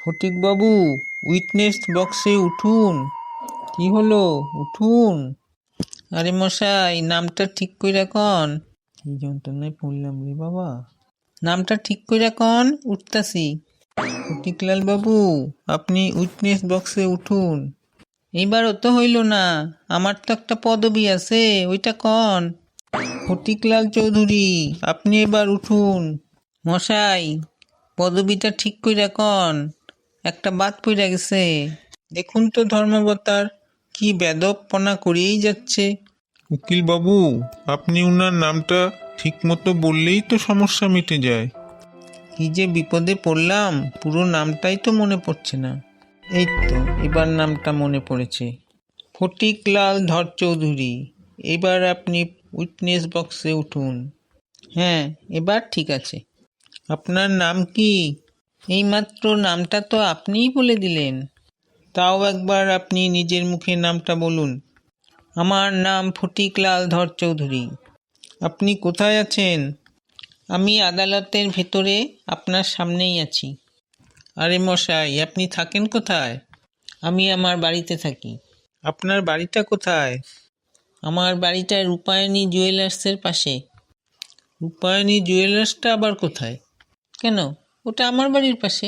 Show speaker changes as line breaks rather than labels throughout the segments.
ফটিকবাবু, witness বক্সে উঠুন। কি হলো, উঠুন। আরে মশাই, নামটা ঠিক কইরা কন। কি যন্ত্রণায় পড়লাম রে বাবা। নামটা ঠিক কইরা কন, উঠতাছি। ফটিকলাল বাবু, আপনি উইটনেস বক্সে উঠুন। এইবারও তো হইল না, আমার তো একটা পদবি আছে, ওইটা কন। ফটিকলাল চৌধুরী, আপনি এবার উঠুন। মশাই, পদবিটা ঠিক কইরা কন, একটা বাদ পইরা গেছে। দেখুন তো ধর্মাবতার, কি বেদপনা করিয়েই যাচ্ছে।
উকিল বাবু, আপনি উনার নামটা ঠিক মতো বললেই তো সমস্যা মিটে যায়।
কি যে বিপদে পড়লাম, পুরো নামটাই তো মনে পড়ছে না। এই তো এবার নামটা মনে পড়েছে, ফটিকলাল ধর চৌধুরী। এবার আপনি উইটনেস বক্সে উঠুন। হ্যাঁ, এবার ঠিক আছে। আপনার নাম কি? এইমাত্র নামটা তো আপনিই বলে দিলেন। তাও একবার আপনি নিজের মুখে নামটা বলুন। আমার নাম ফটিকলাল ধর চৌধুরী। আপনি কোথায় আছেন? আমি আদালতের ভেতরে আপনার সামনেই আছি। আরে মশাই, আপনি থাকেন কোথায়? আমি আমার বাড়িতে থাকি। আপনার বাড়িটা কোথায়? আমার বাড়িটা রূপায়ণী জুয়েলার্সের পাশে। রূপায়ণী জুয়েলার্সটা আবার কোথায়? কেন, ওটা আমার বাড়ির পাশে।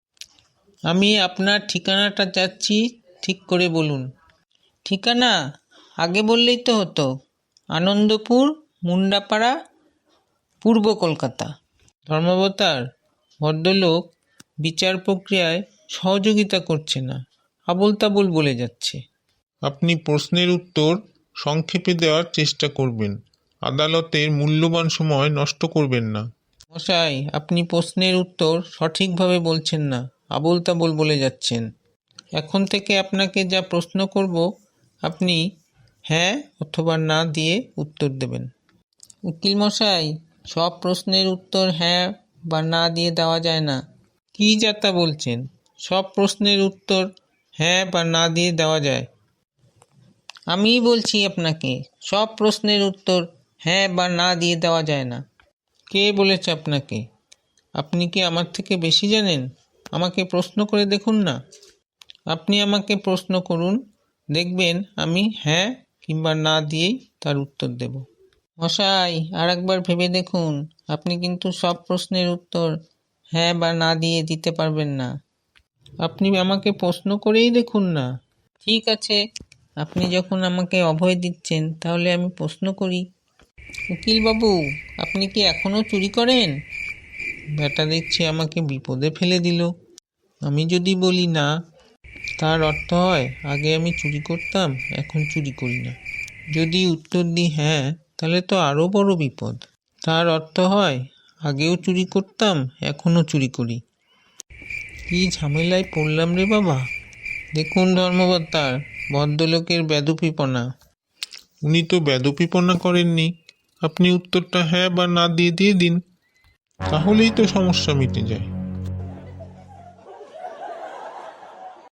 আমি আপনার ঠিকানাটা চাচ্ছি, ঠিক করে বলুন। ঠিকানা আগে বললেই তো হতো। আনন্দপুর, মুন্ডাপাড়া, পূর্ব কলকাতা। ধর্মাবতার, ভদ্রলোক বিচার প্রক্রিয়ায় সহযোগিতা করছে না, আবোল তাবোল বলে যাচ্ছে।
আপনি প্রশ্নের উত্তর সংক্ষেপে দেওয়ার চেষ্টা করবেন। আদালতের মূল্যবান সময় নষ্ট করবেন না।
মশাই, আপনি প্রশ্নের উত্তর সঠিকভাবে বলছেন না, আবোল তাবোল বলে যাচ্ছেন। এখন থেকে আপনাকে যা প্রশ্ন করব, আপনি হ্যাঁ অথবা না দিয়ে উত্তর দেবেন। উকিল মশাই, সব প্রশ্নের উত্তর হ্যাঁ বা না দিয়ে দেওয়া যায় না। কি যাতা বলছেন? সব প্রশ্নের উত্তর হ্যাঁ বা না দিয়ে দেওয়া যায়। আমিই বলছি আপনাকে, সব প্রশ্নের উত্তর হ্যাঁ বা না দিয়ে দেওয়া যায় না। কে বলেছে আপনাকে? আপনি কি আমার থেকে বেশি জানেন? আমাকে প্রশ্ন করে দেখুন না। আপনি আমাকে প্রশ্ন করুন, দেখবেন আমি হ্যাঁ কিংবা না দিয়েই তার উত্তর দেব। মশাই, আর একবার ভেবে দেখুন, আপনি কিন্তু সব প্রশ্নের উত্তর হ্যাঁ বা না দিয়ে দিতে পারবেন না। আপনি আমাকে প্রশ্ন করেই দেখুন না। ঠিক আছে, আপনি যখন আমাকে অভয় দিচ্ছেন, তাহলে আমি প্রশ্ন করি। উকিল বাবু, আপনি কি এখনো চুরি করেন? ব্যাটা দেখছি আমাকে বিপদে ফেলে দিল। আমি যদি বলি না, তার অর্থ হয় আগে আমি চুরি করতাম, এখন চুরি করি না। যদি উত্তর দিই হ্যাঁ, তাহলে তো আরও বড় বিপদ। তার অর্থ হয় আগেও চুরি করতাম, এখনও চুরি করি। কি ঝামেলায় পড়লাম রে বাবা। দেখুন ধর্মবতার, ভদ্রলোকের বেদুপিপনা।
উনি তো বেদপিপনা করেননি। আপনি উত্তরটা হ্যাঁ বা না দিয়ে দিয়ে দিন, তাহলেই তো সমস্যা মিটে যায়।